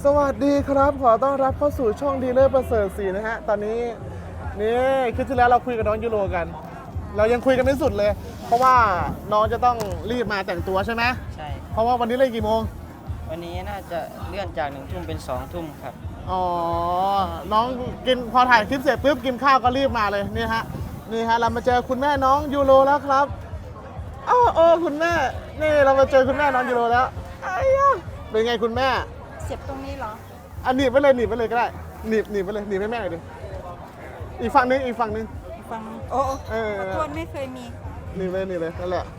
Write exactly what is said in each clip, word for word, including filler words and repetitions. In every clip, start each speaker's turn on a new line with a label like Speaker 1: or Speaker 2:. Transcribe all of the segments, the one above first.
Speaker 1: สวัสดีครับขอต้อนรับเข้าสู่ช่องดีเลอร์ประเสริฐศรีนะฮะตอนนี้นี่คลิปที่แล้วเราคุยกับน้องยูโรกัน เรายังคุยกันไม่สุดเลย เพราะว่าน้องจะต้องรีบมาแต่งตัวใช่ไหม
Speaker 2: ใช่
Speaker 1: เพราะว่าวันนี้เลยกี่โมง
Speaker 2: วันนี้น่าจะเลื่อนจากหนึ่งทุ่มเป็นสองทุ่มครับ
Speaker 1: อ๋อน้องกินพอถ่ายคลิปเสร็จปุ๊บกินข้าวก็รีบมาเลยนี่ฮะนี่ฮะเรามาเจอคุณแม่น้องยูโรแล้วครับอ้าวโอ้คุณแม่นี่เรามาเจอคุณแม่น้องยูโรแล้วไอ้ยะเป็นไงคุณแม่
Speaker 3: เสียบตรงนี้เหรอ
Speaker 1: อันหนีบไปเลยหนีบไปเลยก็ได้หนีบหนีบไปเลยหนีบให้แม่หน่อยดิอีกฝั่งนึงอีกฝั่งนึง
Speaker 3: ฟังโอ้
Speaker 1: เออ
Speaker 3: ขอโทษไม่เคยมี
Speaker 1: หนีบเลยหนีบเลยนั่นแหละ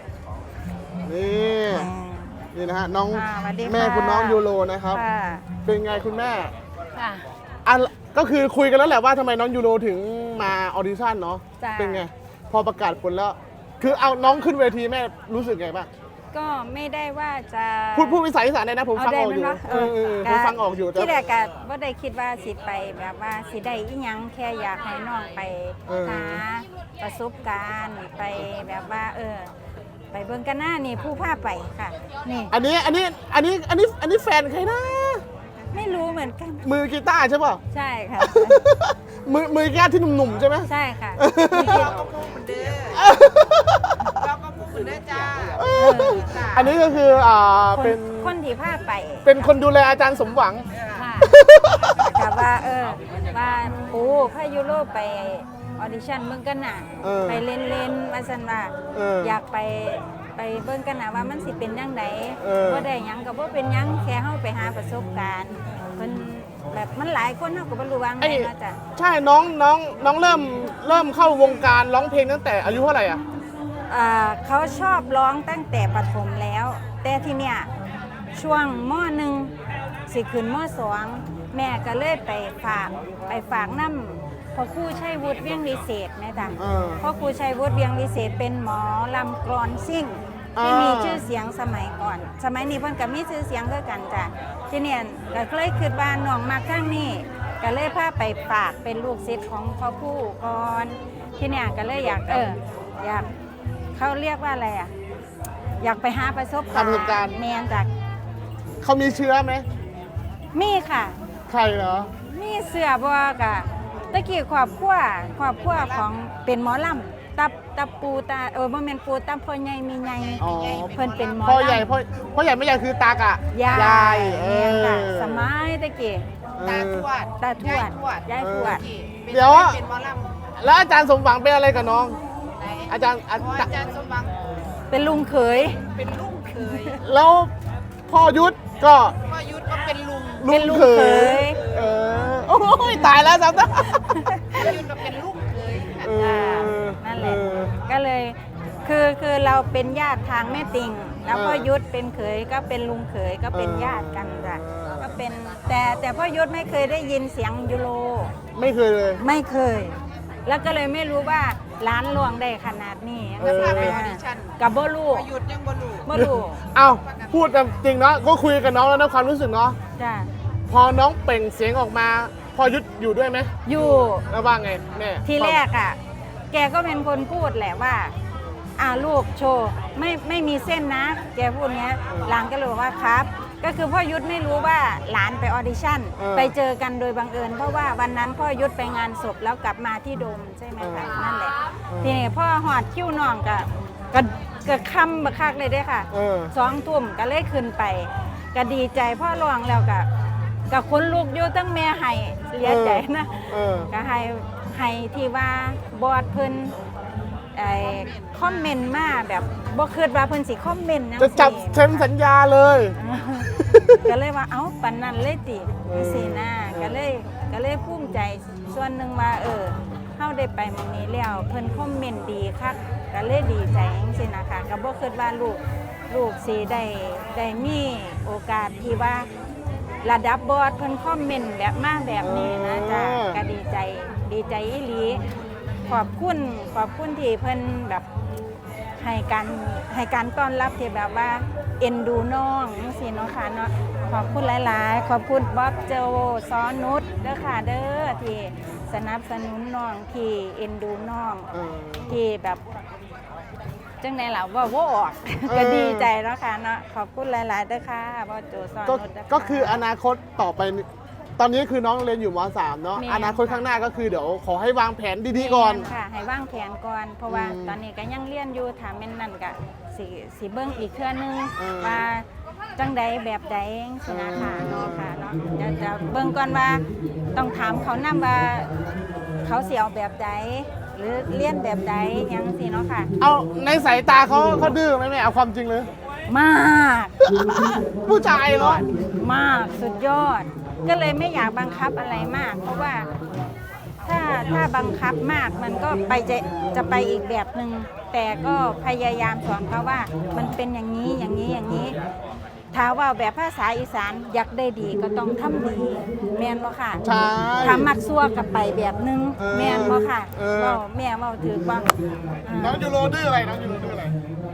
Speaker 1: นี่นี่นะฮะน้องแม่คุณน้องยูโรนะครับเป็นไงคุณแม่อ่ะก็คือคุยกันแล้วแหละว่าทำไมน้องยูโรถึงมาออดิชั่นเนาะเป็นไงพอประกาศผลแล้วคือเอาน้องขึ้นเวทีแม่รู้สึกไงบ้าง
Speaker 3: ก็ไม่ได้ว่าจะ
Speaker 1: พูดพูดภาษาอีสานได้นะผมฟังออกอยู่เออผมฟังออกอยู่
Speaker 3: ที่แรกก็ว่าได้คิดว่าสิไปแบบว่าสิได้อีหยังแค่อยากให้น้องไปหาประสบการณ์ไปแบบว่าเออไปเบิ่งกันหน้านี่ผู้พาไปค่ะนี่
Speaker 1: อันนี้อันนี้อันนี้อันนี้อันนี้แฟนใครนะ
Speaker 3: ไม่รู้เหมือนกัน
Speaker 1: มือกีตาร์ใช่ป่ะ
Speaker 3: ใช่ค่ะ
Speaker 1: มือมือกีตาร์ที่หนุ่มๆใช่ไหม
Speaker 3: ใช่ค่ะ
Speaker 4: เราก็พูดเหมือนเดิมเราก็พูดเหมือนเดิมจ้า
Speaker 1: อันนี้ก็คืออ่าเป็น
Speaker 3: คนที่พาไป
Speaker 1: เป็นคนดูแลอาจารย์สมหวัง
Speaker 3: ค่ะแต่ว่าเออว่าปูพายุโรไปออดิชั่นเบิ่งกันหนังไปเล่นเล่นว่าสันว่าอยากไปไปเบิ่งกันนะว่ามันสิเป็นยังไงว่าได้ยังกับว่าเป็นยังแค่เข้าไปหาประสบการณ์เพิ่นแบบมันหลายคนเขาก็บ่รู้ว่าไงเนาะจ้ะ
Speaker 1: ใช่น้องน้องน้องเริ่มเริ่มเข้าวงการร้องเพลงตั้งแต่อายุเท่าไหร่อ่ะ
Speaker 3: เขาชอบร้องตั้งแต่ประถมแล้ว แต่ทีเนี้ยช่วงม.หนึ่งสิขึ้นม.สองแม่ก็เลยไปฝากไปฝากน้ำพ่อครูชัยวุฒิเวียงวิเศษแม่จ้ะพ่อครูชัยวุฒิเวียงวิเศษเป็นหมอลำกลอนซิ่งที่มีชื่อเสียงสมัยก่อนสมัยนี้เพิ่นก็มีชื่อเสียงคือกันจ้ะทีเนี้ยก็เลยคิดว่าน้องมักทางนี้ก็เลยพาไปฝากเป็นลูกศิษย์ของพ่อครูก่อนทีเนี้ยก็เลยอยากเอออยากเขาเรียกว่าอะไรอ่ะอยากไปหาประสบการณ์แมนจาก
Speaker 1: เขามีเชื้อไหม
Speaker 3: มีค่ะ
Speaker 1: ใครเหรอ
Speaker 3: มีเสือบัวกะตะกี้ขอบขั้วขอบขั้วของเป็นหมอลำตับตับปูตาเออบ่แม่นปูตับพ่อใหญ่มีใหญ่เพิ่นเป็นหมอลำ
Speaker 1: พ่อใหญ่พ่อพ่อใหญ่ไม่ใหญ่คือตากะ
Speaker 3: ยายเออสมัยตะกี้
Speaker 4: ตาทวด
Speaker 3: ตาทวดยายทวด
Speaker 1: เดี๋ยวแล้วอาจารย์สมหวังเป็นอะไรกับน้องอาจารย์อา
Speaker 4: จารย์สมหวัง
Speaker 3: เป็นลุงเขย
Speaker 4: เป็นลุงเขย
Speaker 1: แล้วพ่อยุทธก็
Speaker 4: พ่อยุทธก็เป็นลุง
Speaker 3: เป็นลุงเขย
Speaker 1: เออโอ้ยตายแล้วสั
Speaker 4: ตว์พ่อยุทธก็เป็นลุงเขย
Speaker 3: นั่นแหละก็เลยคือคือเราเป็นญาติทางแม่ติ่งแล้วพ่อยุทธเป็นเขยก็เป็นลุงเขยก็เป็นญาติกันจ้ะก็เป็นแต่แต่พ่อยุทธไม่เคยได้ยินเสียงยูโร
Speaker 1: ไม่เคยเลย
Speaker 3: ไม่เคยแล้วก็เลยไม่รู้ว่าร้านลวงได้ขนาดนี้กับโบลู
Speaker 4: หยุดยังโบลู
Speaker 3: โบลู
Speaker 1: เอ้าพูดจริงเนาะก็คุยกับน้องแล้วนะความรู้สึกเนาะ
Speaker 3: จ้ะ
Speaker 1: พอน้องเปล่งเสียงออกมาพอยุดอยู่ด้วยไหม
Speaker 3: อยู่
Speaker 1: แล้วว่าไงแม่
Speaker 3: ทีแรกอ่ะแกก็เป็นคนพูดแหละว่าอ่าลูกโชว์ไม่ไม่มีเส้นนะแกพูดเงี้ยหลานก็เลยบอกว่าครับก็คือพ่อยุทธไม่รู้ว่าหลานไปออดิชั่นไปเจอกันโดยบังเอิญเพราะว่าวันนั้นพ่อยุทธไปงานศพแล้วกลับมาที่โดมใช่ไหมคะนั่นแหละทีนี้พ่อหอดคิ้วน้องก็ก็เกิดคำบักคักเลยได้ค่ะสองทุ่มก็เลยขึ้นไปก็ดีใจพ่อร้องแล้วก็กับคนลูกอยู่ตั้งแม่ให้เสียใจนะก็ให้ให้ที่ว่าบอดเพิ่นไอ้คอมเมนต์มาแบบบ่คิดว่าเพิ่นสิคอมเมนต์
Speaker 1: จะจับเซ็นสัญญาเลย
Speaker 3: ก็เลยว่าเอ้าปานนั้นเลยติสินะก็เลยก็เลยภูมิใจส่วนหนึ่งว่าเออเฮาได้ไปมื้อนี้แล้วเพิ่นคอมเมนต์ดีคักก็เลยดีใจจังซี่นะคะก็บ่คิดว่าลูกลูกสิได้ได้มีโอกาสที่ว่าระดับบอสเพิ่นคอมเมนต์แบบมาแบบนี้นะจ้ะก็ดีใจดีใจอีหลีขอบคุณขอบคุณที่เพิ่นแบบให้การให้การต้อนรับที่แบบว่าเอ็นดูน้องจังซี่เนาะค่ะเนาะขอบคุณหลายๆขอบคุณบ๊อบโจซอนุชเด้อค่ะเด้อที่สนับสนุนน้องที่เอ็นดูน้องที่แบบจังไดล่ะว่าว่าออก
Speaker 1: เออ
Speaker 3: ก็ดีใจเนาะค่ะเนาะขอบคุณหลายๆเด้อค่ะบอสโจสอน
Speaker 1: ก็
Speaker 3: รถเด้ะ
Speaker 1: ก็คืออนาคตต่อไปนี่ตอนนี้คือน้องเรียนอยู่ม .สาม เนาะ
Speaker 3: แม่น
Speaker 1: อนาคตข้างหน้าก็คือเดี๋ยวขอให้วางแผนดีๆก่อน
Speaker 3: แม่ค่ะ ให้วางแผนก่อน เพราะว่า
Speaker 1: อืม
Speaker 3: ตอนนี้ก็ยังเรียนอยู่ถามแม่นนั่นก็สิสิเบิ่งอีกเทื่อนึง
Speaker 1: เออ
Speaker 3: ว่าจังใดแบบใดสินะค่ะ
Speaker 1: เออ
Speaker 3: เนาะค่ะเนาะจะจะเบิ่งก่อนว่าต้องถามเขานำว่าเขาสิเอาแบบใดหรือเรียนแบบใดหยังสิเนาะค่ะ
Speaker 1: เอาในสายตาเขาเขาดื้อไหมแม่เอาความจริงเลย
Speaker 3: มาก
Speaker 1: ผู้ชายเนาะ
Speaker 3: มากสุดยอด ก็เลยไม่อยากบังคับอะไรมาก เพราะว่าถ้าถ้าบังคับมากมันก็ไปจะจะไปอีกแบบหนึ่งแต่ก็พยายามสอนเขาว่ามันเป็นอย่างนี้อย่างนี้อย่างนี้ถ้าว่าแบบภาษาอีสานอยากได้ดีก็ต้องทำดีแม่นบ่ค่ะ
Speaker 1: ใช่
Speaker 3: ถ้ามักซัวกับไปแบบหนึง
Speaker 1: เออ
Speaker 3: แม่นบ่ค่ะ
Speaker 1: เออ
Speaker 3: เว้าแม่เว้าถือว่า
Speaker 1: น้องยูโรดื้ออะไรน้องยูโรดื้ออะไร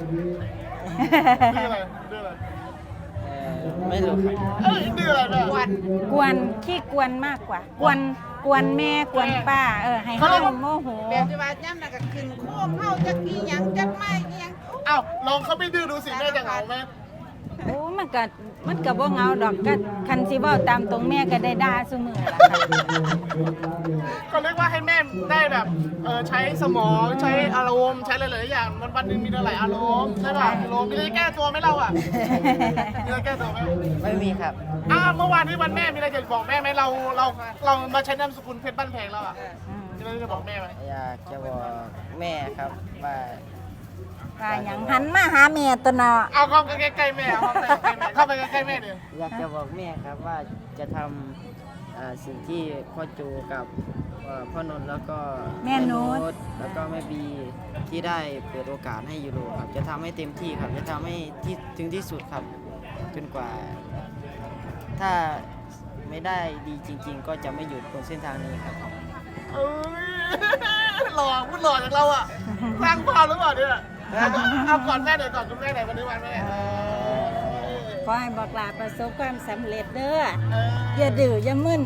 Speaker 1: ดื้ออะไรดื้ออะไร
Speaker 2: เอ่อไม่รู้ครับ
Speaker 1: เอ้ยดื้ออะไรแม่
Speaker 4: วัน
Speaker 3: กวนขี้กวนมากกว่า กวนกวนแม่กวนป้าเออให้
Speaker 1: เขา
Speaker 3: เฮา
Speaker 1: เรียกว่า
Speaker 3: โมโห
Speaker 4: แบบที่ว่าย่ำน่ะก็ขึ้นโค้งเข้าจักอีหยังจักไม้อีหยัง
Speaker 1: เอ้าลองเขาไม่ดื้อดูสิแม่จะเหงาไหม
Speaker 3: โอ้มันก็มันก็บ่เหงาดอกก็คันสิเว้าตามตรงแม่ก็ได้ด่าซุมื้อล่ะค่ะ
Speaker 1: ก็เรียกว่าให้แม่ได้แบบเออใช้สมองใช้อารมณ์ใช้หลายๆอย่างวันวันๆหนึ่งมีหลายอารมณ์ใช่ป่ะอารมณ์มีอะไรแก้ตัวไหมเราอ่ะมีอะไรแก้ตัวไหม
Speaker 2: ไม่มีครับ
Speaker 1: อ่าเมื่อวานที่วันแม่มีอะไรจะบอกแม่ไหมเราเราเรามาใช้นามสกุลเพชรบ้านแพงแล้วอ่ะ
Speaker 3: อืม
Speaker 1: มีอะไรจะบอกแม่ไหม
Speaker 2: อยากจะบอกแม่ครับว่า
Speaker 3: ว่าหยังหันมาหาแม่ตัวเนาะ
Speaker 1: เอาเข้าไปใกล้ๆแม่เอาเข้าไปใกล้ๆแม่เข้าไปใกล้ๆแม่ดิ
Speaker 2: อยากจะบอกแม่ครับว่าจะทำอ่าสิ่งที่พ่อจูกับเอ่อพ่อนนท์แล้วก็ตแล้วก็แม่บีที่ได้เปิดโอกาสให้ยูโรครับจะทำให้เต็มที่ครับจะทำให้ที่ถึงที่สุดครับจนกว่า ถ้าไม่ได้ดีจริง ๆ ก็จะไม่หยุดบนเส้นทางนี้ครับ
Speaker 1: เอ้ยหล่อพูดหล่อจากเราอ่ะสร้างภาพหรือเปล่าเนี่ยเอาก่อนแม่หน่อยก่อนคุณแม่หน่อยวันนี้วันแม่เออ
Speaker 3: ขอให้บอกลาประสบความสำเร็จเด้อ
Speaker 1: เออ
Speaker 3: อย่าดื้ออย่ามึน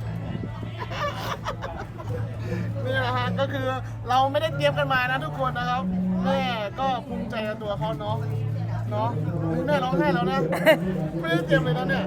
Speaker 1: นี่แหละฮะก็คือเราไม่ได้เตรียมกันมานะทุกคนนะครับแม่ก็ภูมิใจในตัวเขาเนาะเนาะแม่ร้องไห้แล้วนะไม่ได้เตรียมเลยนะเนี่ย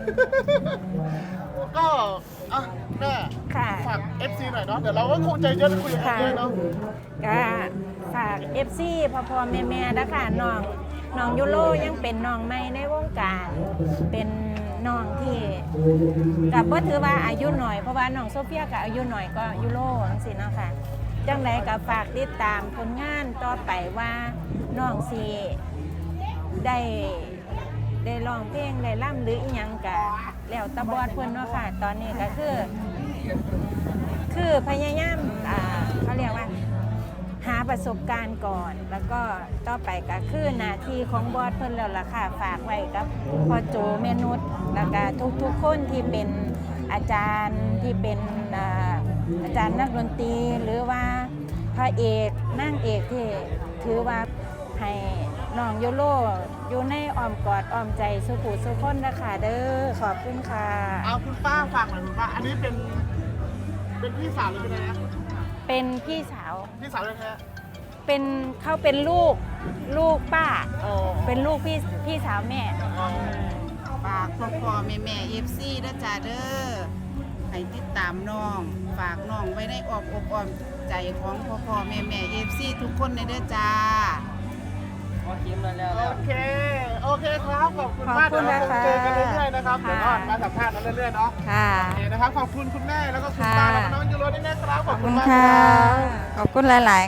Speaker 1: ก็อ่ะแม่
Speaker 3: ค่ะ
Speaker 1: ฝาก เอฟ ซี หน่อยเนาะเดี๋ยวเราก็คงใจเย็นคุยกันด้วยเนาะ
Speaker 3: ก็ฝาก เอฟ ซี พ่อพ่อแม่แม่นะคะน้องน้องยูโรยังเป็นน้องใหม่ในวงการ เป็นน้องที่กับว่าถือว่าอายุหน่อยเพราะว่าน้องโซเฟียก็อายุหน่อยก็ยูโรจังซี่เนาะค่ะจังไดก็ฝากติดตามผลงานต่อไปว่าน้องสิได้ได้ร้องเพลงได้ร่ำหรืออีหยังกะแล้วแตะบอดเพิ่นเนาะค่ะ ตอนนี้ก็คือ คือพยายามอ่าเขาเรียกว่า หาประสบการณ์ก่อน แล้วก็ต่อไปก็คือหน้าที่ของบอสเพิ่นแล้วล่ะค่ะฝากไว้กับพ่อโจแม่นุชแล้วก็ทุกๆคนที่เป็นอาจารย์ที่เป็นอ่าอาจารย์นักดนตรีหรือว่าพระเอกนางเอกที่ถือว่าให้น้องโยโรอยู่ในอ้อมกอดอ้อมใจสุขุสุขคนนะคะเด้อขอบคุณค่ะ
Speaker 1: เอาคุณป้าฝากหน่อยคุณป้าอันนี้เป็นเป็นพี่สาวหรือเป็นอะไรนะ
Speaker 3: เป็นพี่สาว
Speaker 1: พี่สาวแท้
Speaker 3: เป็นเขาเป็นลูกลูกป้า
Speaker 1: ๆอ๋อ
Speaker 3: เป็นลูกพี่พี่สาวแม่
Speaker 1: อ๋อ
Speaker 4: ฝากพ่อพ่อแม่แม่เอฟซีเด้อจ้าเด้อให้ติดตามน้อง ฝากน้องไว้ในอ้อมอกอ้อมใจของพ่อพ่อแม่แม่เอฟซีทุกคนในเด้อจ้า
Speaker 2: พอคิมแล้วแล้ว
Speaker 1: โอ
Speaker 2: แล้ว
Speaker 1: เค โอเคครับ ขอบคุณมาก
Speaker 3: ขอบคุ
Speaker 1: เดี๋ยว
Speaker 3: ณ
Speaker 1: เราคง
Speaker 3: นะคะ
Speaker 1: เจอกันเรื่อยๆนะครับ เดี๋ยวก็
Speaker 3: ค่ะ
Speaker 1: มาสัมภาษณ์กันเรื่อยๆเนาะ
Speaker 3: ค่ะ
Speaker 1: โอเคนะครับ ขอบคุณคุณแม่แล้วก็คุณ
Speaker 3: ค่ะ
Speaker 1: ป้าแล้วก็น้องยูโรด้วยนะครับ ข
Speaker 3: ข
Speaker 1: อ
Speaker 3: อ
Speaker 1: บบ คุ
Speaker 3: คุณ ณ
Speaker 1: มาก
Speaker 3: ค่ะ
Speaker 1: รับ
Speaker 3: ขอบคุณหลาย ๆ